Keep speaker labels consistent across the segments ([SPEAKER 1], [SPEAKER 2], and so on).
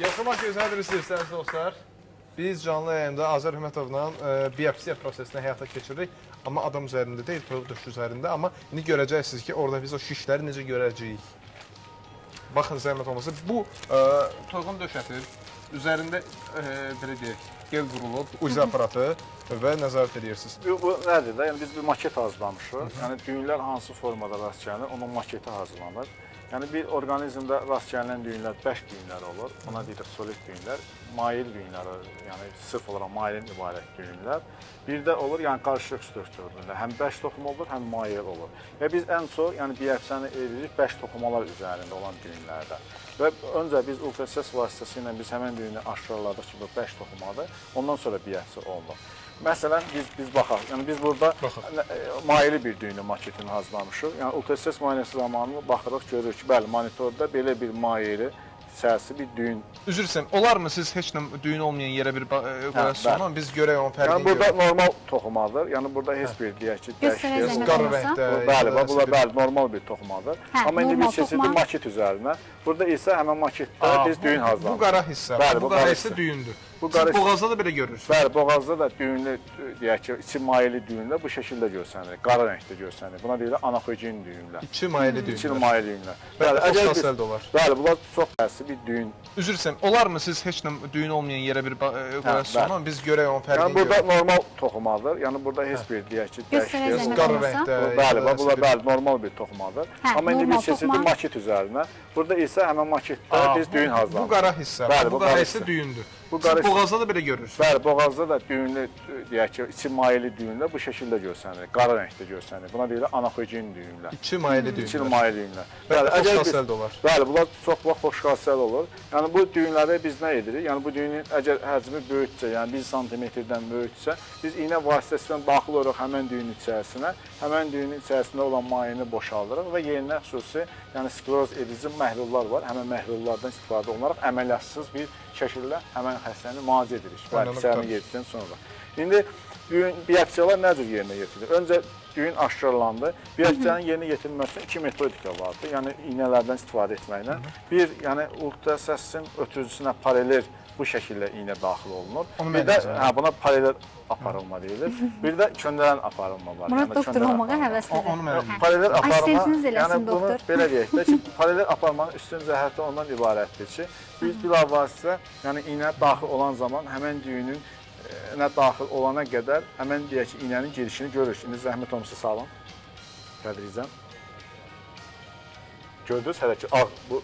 [SPEAKER 1] Yaxşımaq gözəl istəyirsiniz dostlar. Biz canlı yayında Azər Hümətovla biopsiya prosesini həyata keçiririk. Amma adam üzərində deyil, toyuq döşü üzərində. Amma indi görəcəksiniz ki, orada biz o şişləri necə görəcəyik. Baxın, zəhmət olmasa. Bu toyuğun döşəti üzərində belə deyək, gel qurulub, uzi aparatı və nəzarət edirsiniz.
[SPEAKER 2] Bu nədir də? Yəni biz bir maket hazırlamışıq. Yəni düyünlər hansı formada rast gəlir, onun maketi hazırlanır. Yəni bir orqanizmdə rast gələn düyünlər bəş düyünlər olur. Ona deyirik solid düyünlər, mail düyünlər, yəni sırf olaraq mailin ibarət düyünlər. Bir də olur, yəni qarışıq strukturunda həm bəş toxumu olur, həm mail olur. Və biz ən çox yəni biopsiyani edirik bəş toxumalar üzərində olan düyünlərdə. Və öncə biz ultrasəs vasitəsilə biz həmin düyünü aşkarladıq ki, bu bəş toxumadır. Ondan sonra biopsiya olunur. Məsələn, biz baxaq. Yəni biz burada maili bir düyünün maketini hazırlamışıq. Yəni ultrasəs müayinəsi zamanı baxırıq, görürük ki, bəli, monitorda belə bir maili sərsi bir düyün.
[SPEAKER 1] Üzr istəyirəm, olarmı siz heç nə düyün olmayan yerə bir qoyasınız, amma biz görək onun fərqini görək.
[SPEAKER 2] Yəni burada normal toxumadır. Yəni burada heç bir deyək ki,
[SPEAKER 1] dəyişir, qarı rəngdə.
[SPEAKER 2] Bəli, bu normal bir toxumadır. Amma indi biz keçirdik maket üzərinə. Burada isə həmin maketdə biz düyün hazırlanır.
[SPEAKER 1] Bu qara hissə, bu qara hissə düyündür. Siz boğazda da belə görürsünüz.
[SPEAKER 2] Bəli, boğazda da düyünlü, deyək ki, içi mayeli düyünlər bu şəkildə görsənir, qara rəngdə görsənir. Buna deyilir anakogen düyünlər.
[SPEAKER 1] İçi mayeli düyünlər.
[SPEAKER 2] İçi mayeli düyünlər.
[SPEAKER 1] Bəli, çox səldə olar.
[SPEAKER 2] Bəli, bunlar çox əsli bir düyün.
[SPEAKER 1] Üzr istəyirəm, olarmı siz heç nə düyün olmayan yerə bir qoyasınız, amma biz görək onun fərqini görək.
[SPEAKER 2] Yəni burada normal toxumadır. Yəni burada heç bir deyək ki, dəyişir,
[SPEAKER 1] qara rəngdə.
[SPEAKER 2] Bəli, bu normal bir toxumadır. Amma indi biz keçirdik maket üzərinə. Burada isə həmin maketdə biz düyün hazırlanır.
[SPEAKER 1] Bu qara hissə, bu qara hissə düyündür. Siz boğazda da belə görürsünüz.
[SPEAKER 2] Bəli, boğazda da düyünlü, deyək ki, içi mayeli düyünlər bu şəkildə görsənir, qara rəngdə görsənir. Buna deyilir anakogen düyünlər.
[SPEAKER 1] İçi mayeli düyünlər.
[SPEAKER 2] İçi mayeli düyünlər.
[SPEAKER 1] Bəli, xoşxassəl olur.
[SPEAKER 2] Bəli, bunlar çox vaxt xoşxassəl olur. Yəni bu düyünlərə biz nə edirik? Yəni bu düyünün əgər həcmi böyüksə, yəni 1 sm-dən böyüksə, biz iynə vasitəsilə daxil oluruq həmin düyünün içərisinə, həmin düyünün içərisində olan mayeni boşaldırıq və yerinə xüsusi, yəni skleroz edici məhlullar var. Həmin məhlullardan istifadə olunaraq əməliyyatssız bir şəkildə həmin xəstəni müalicə edirik. Bəli, içərini yedikdən sonra. İndi biopsiyalar nə cür yerinə yetirilir? Öncə düyün aşkarlandı. Biopsiyanın yerinə yetirilməsi üçün 2 metodika vardır. Yəni iynələrdən istifadə etməklə. Bir, yəni ultrasəsin ötürücüsünə paralel bu şəkildə iynə daxil olunur. Bir də buna paralel aparılma deyilir. Bir də köndələn aparılma var.
[SPEAKER 3] Murat doktor olmağa həvəslidir.
[SPEAKER 2] Paralel aparılma,
[SPEAKER 3] yəni
[SPEAKER 2] bunu belə deyək də ki, paralel aparmanın üstün cəhəti ondan ibarətdir ki, biz bilavasitə, yəni iynə daxil olan zaman həmən düyünün daxil olana qədər həmən deyək ki, iynənin girişini görürük. İndi zəhmət olmasa salın. Tədricən. Gördünüz hələ ki, ağ, bu,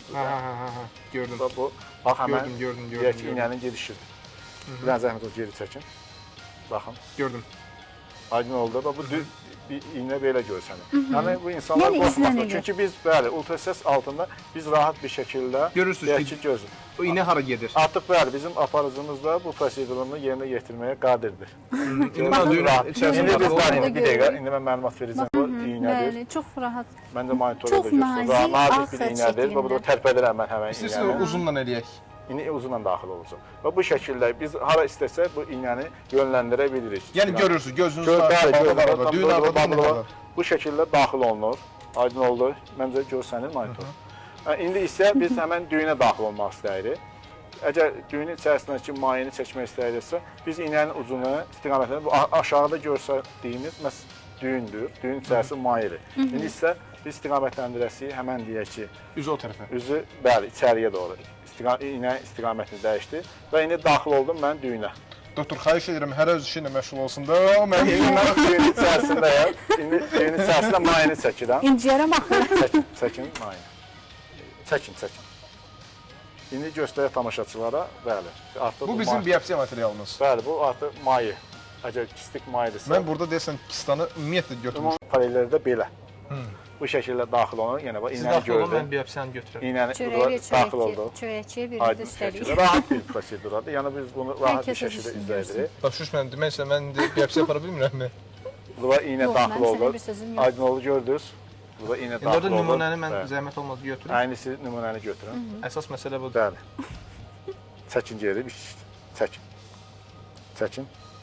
[SPEAKER 1] gördüm.
[SPEAKER 2] Bu, bax həmən,
[SPEAKER 1] gördüm.
[SPEAKER 2] deyək ki, iynənin girişidir. Bir dənə zəhmət olsa geri çəkin. Baxın.
[SPEAKER 1] Gördüm.
[SPEAKER 2] Aydın oldu da bu bir iynə belə görsənir. Yəni bu insanlar qorxmasın. Çünki biz bəli ultrasəs altında biz rahat bir şəkildə
[SPEAKER 1] görürsünüz ki, gözü. O iynə hara gedir?
[SPEAKER 2] Artıq bəli bizim aparıcımız da bu prosedurunu yerinə yetirməyə qadirdir.
[SPEAKER 1] İndi mən düyünün içərisində
[SPEAKER 2] bir dəqiqə indi mən məlumat verəcəm. Bu iynədir.
[SPEAKER 3] Bəli, çox rahat.
[SPEAKER 2] Məndə monitorda göstərir. Nazik bir iynədir. Bu da tərpədirəm mən həmin iynəni.
[SPEAKER 1] İstəyirsiniz uzunla eləyək.
[SPEAKER 2] İndi uzunla daxil olacaq. Və bu şəkildə biz hara istəsək bu iynəni yönləndirə bilirik.
[SPEAKER 1] Yəni görürsünüz, gözünüzün arasında düyün arasında
[SPEAKER 2] bu şəkildə daxil olunur. Aydın oldu. Məncə görsənir monitor. İndi isə biz həmən düyünə daxil olmaq istəyirik. Əgər düyünün içərisindəki mayeni çəkmək istəyiriksə, biz iynənin ucunu, istiqamətini bu aşağıda görsədiyimiz düyündür. Düyün içərisi mayeli. İndi isə biz istiqamətləndirəsiyi həmən deyək ki,
[SPEAKER 1] üzü o tərəfə.
[SPEAKER 2] Üzü bəli, içəriyə doğru. İynə istiqamətini dəyişdi və indi daxil oldum mən düyünə.
[SPEAKER 1] Doktor, xahiş edirəm, hər öz işi ilə məşğul olsun da.
[SPEAKER 2] Mən düyünün içərisindəyəm. İndi düyünün içərisində mayeni çəkirəm.
[SPEAKER 3] İnciyərə baxın.
[SPEAKER 2] Çəkin mayeni. Çəkin. İndi göstərək tamaşaçılara, bəli.
[SPEAKER 1] Bu bizim biopsiya materialımız.
[SPEAKER 2] Bəli, bu artıq mayi. Əgər kistik mayidirsə.
[SPEAKER 1] Mən burada deyəsən kistanı ümumiyyətlə götürmüşəm.
[SPEAKER 2] Paraleldə belə. Bu şəkildə daxil olun. Yəni bax iynəni gördüm.
[SPEAKER 1] Mən biopsiyanı götürürəm.
[SPEAKER 2] İynəni daxil oldu.
[SPEAKER 3] Çörəkçiyə bir üstəlik.
[SPEAKER 2] Rahat bir proseduradır. Yəni biz bunu rahat bir şəkildə izləyirik.
[SPEAKER 1] Başuş mən deməksə mən biopsiya apara bilmirəmmi?
[SPEAKER 2] Burada iynə daxil oldu. Aydın oldu gördünüz. Burada iynə daxil oldu.
[SPEAKER 1] İndi nümunəni mən zəhmət olmaz götürüm.
[SPEAKER 2] Aynısı nümunəni götürün.
[SPEAKER 1] Əsas məsələ budur.
[SPEAKER 2] Bəli. Çəkin geri. Çəkin. Çəkin.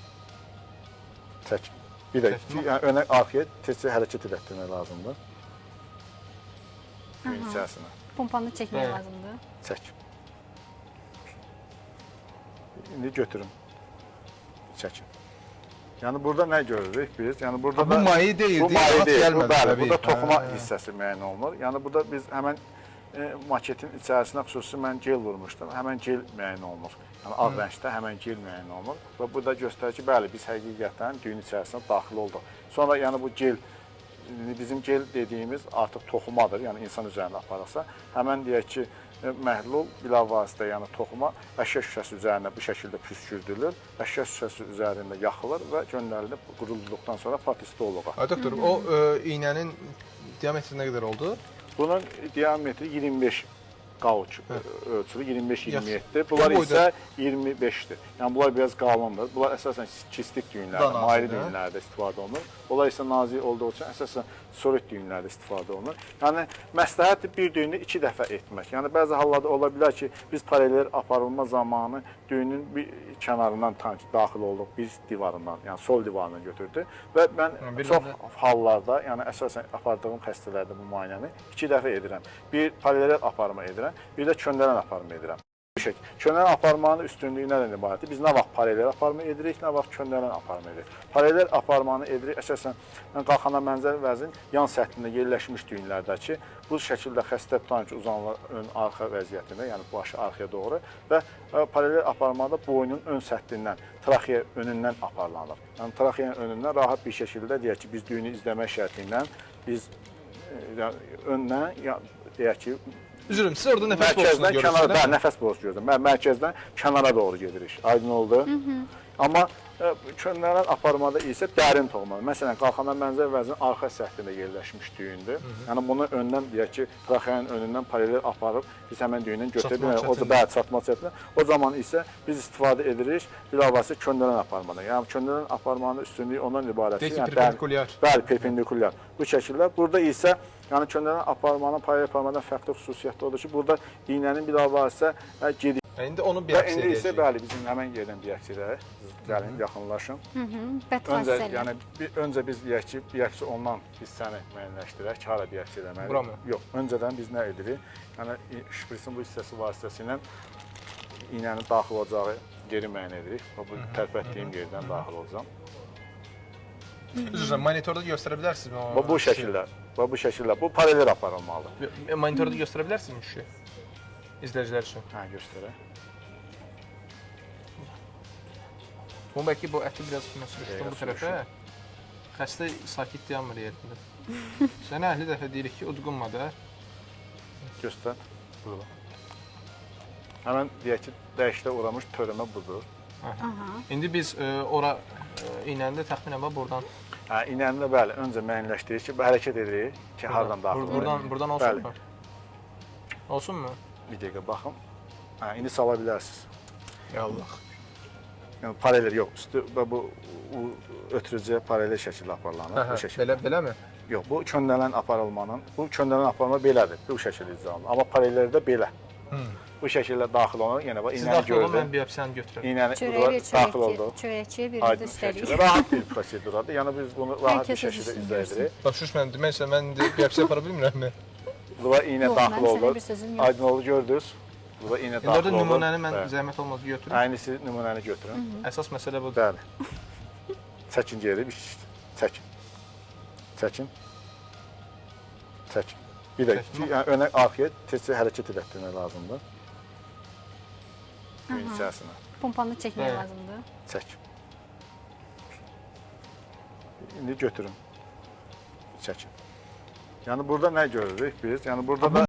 [SPEAKER 2] Çəkin. Bir də önə arxaya tez hərəkət etdirmək lazımdır. Düyün içərisinə.
[SPEAKER 3] Pompanı çəkmək lazımdır.
[SPEAKER 2] Çək. indi götürün. Çəkin. Yəni burada nə görürük biz? Yəni burada
[SPEAKER 1] bu maye deyil,
[SPEAKER 2] bu maye deyil.
[SPEAKER 1] gəlmədi.
[SPEAKER 2] Bəli, burada toxuma hissəsi müəyyən olunur. Yəni burada biz həmən maketin içərisinə xüsusi mən gel vurmuşdum. Həmən gel müəyyən olunur. Yəni ağ rəngdə həmən gel müəyyən olunur. Və bu da göstərir ki, bəli, biz həqiqətən düyün içərisinə daxil olduq. Sonra yəni bu gel bizim gel dediyimiz artıq toxumadır. Yəni insan üzərində aparırsa, həmən deyək ki, məhlul bilavasitə, yəni toxuma əşya şüşəsi üzərində bu şəkildə püskürdülür. Əşya şüşəsi üzərində yaxılır və göndərilib qurulduqdan sonra patistoloqa.
[SPEAKER 1] Doktor, o iynənin diametri nə qədər oldu?
[SPEAKER 2] Bunun diametri 25 qauç ölçülü 25-27-dir. Bunlar isə 25-dir. Yəni bunlar biraz qalındır. Bunlar əsasən kistik düyünlərdə, maylı düyünlərdə istifadə olunur. Bunlar isə nazik olduğu üçün əsasən solid düyünlərdə istifadə olunur. Yəni məsləhətdir bir düyünü 2 dəfə etmək. Yəni bəzi hallarda ola bilər ki, biz paralel aparılma zamanı düyünün bir kənarından daxil olduq, bir divarından, yəni sol divarından götürdü və mən çox hallarda, yəni əsasən apardığım xəstələrdə bu müayinəni 2 dəfə edirəm. Bir paralel aparma edirəm, bir də köndələn aparma edirəm. Köndələn aparmanın üstünlüyü nədən ibarətdir? Biz nə vaxt paralel aparma edirik, nə vaxt köndələn aparma edirik. Paralel aparmanı edirik, əsasən qalxana mənzəl vəzin yan səthində yerləşmiş düyünlərdəki bu şəkildə xəstə tutan ki, uzanlar ön arxa vəziyyətində, yəni başı arxaya doğru və paralel aparmada boynun ön səthindən, traxeya önündən aparlanır. Yəni traxeyanın önündən rahat bir şəkildə deyək ki, biz düyünü izləmək şərti biz öndən, deyək ki,
[SPEAKER 1] üzrüm, siz orada nəfəs borusunu görürsünüz.
[SPEAKER 2] Bəli, nəfəs borusu görürəm. Mərkəzdən kənara doğru gedirik. Aydın oldu. Amma köndələn aparmada isə dərin toxuma. Məsələn, qalxana mənzəl vəzinin arxa səthində yerləşmiş düyündür. Yəni bunu öndən deyək ki, traxeyanın önündən paralel aparıb biz həmən düyündən götürə bilmirik. O da çatma çətindir. O zaman isə biz istifadə edirik bilavasitə köndələn aparmadan. Yəni köndələn aparmanın üstünlüyü ondan ibarətdir.
[SPEAKER 1] Yəni perpendikulyar.
[SPEAKER 2] Bəli, perpendikulyar. Bu şəkildə burada isə yəni köndələn aparmanın paralel aparmadan fərqli xüsusiyyəti odur ki, burada iynənin bilavasitə gedir.
[SPEAKER 1] İndi onu biopsiya edəcəyik.
[SPEAKER 2] İndi isə bəli, bizim həmən yerdən biopsiya edək. Gəlin, yaxınlaşın. Öncə biz deyək ki, biopsiya olunan hissəni müəyyənləşdirək, hara biopsiya eləməliyik.
[SPEAKER 1] Bura mı?
[SPEAKER 2] Yox, öncədən biz nə edirik? Yəni, şprisin bu hissəsi vasitəsilə iynənin daxil olacağı yeri müəyyən edirik. Bu tərpətdiyim yerdən daxil olacam.
[SPEAKER 1] Üzrəm, monitorda göstərə bilərsinizmi?
[SPEAKER 2] Bu şəkildə, bu şəkildə, bu paralel aparılmalıdır.
[SPEAKER 1] Monitorda göstərə bilərsinizmi şu? İzləyicilər üçün.
[SPEAKER 2] Hə, göstərək.
[SPEAKER 1] Bu bəlkə bu əti biraz sürüşdüm bu tərəfə. Xəstə sakit dayanmır yerində. Sənə 50 dəfə deyirik ki, udqunma da.
[SPEAKER 2] Göstər. Burada. Həmən deyək ki, dəyişdə uğramış törəmə budur.
[SPEAKER 1] İndi biz ora iynəni də təxminən buradan.
[SPEAKER 2] Hə, iynəni də bəli, öncə müəyyənləşdiririk ki, hərəkət edirik ki, hardan daxil olur.
[SPEAKER 1] Buradan olsun mu? Olsun mu?
[SPEAKER 2] Bir dəqiqə baxım. Hə, indi sala bilərsiniz.
[SPEAKER 1] Ya Allah.
[SPEAKER 2] Yəni paralel yox, üstü bu ötürücüyə paralel şəkildə aparılır. Bu şəkildə.
[SPEAKER 1] Beləmi?
[SPEAKER 2] Yox, bu köndələn aparılmanın, bu köndələn aparılma belədir. Bu şəkildə izah olunur. Amma paraleldə belə. Bu şəkildə daxil olunur. Yəni bax iynəni gördüm.
[SPEAKER 1] Mən biopsiyanı götürürəm.
[SPEAKER 2] İynəni daxil oldu.
[SPEAKER 3] Çörəkçiyə verildi üstəlik.
[SPEAKER 2] Rahat bir proseduradır. Yəni biz bunu rahat bir şəkildə izah edirik.
[SPEAKER 1] Başuş mən deməksə mən biopsiya apara bilmirəmmi?
[SPEAKER 2] Bura iynə daxil oldu. Aydın oldu, gördünüz. Burada iynə daxil oldu.
[SPEAKER 1] Orada nümunəni mən zəhmət olmaz götürüm.
[SPEAKER 2] Aynısı nümunəni götürün.
[SPEAKER 1] Əsas məsələ budur.
[SPEAKER 2] Bəli. Çəkin geri, çəkin. Çəkin. Çəkin. Bir də yəni önə arxaya tezcə hərəkət etdirmək lazımdır. Düyün içərisinə.
[SPEAKER 3] Pompanı çəkmək lazımdır.
[SPEAKER 2] Çək. İndi götürün. Çəkin. Yəni burada nə görürük biz? Yəni burada da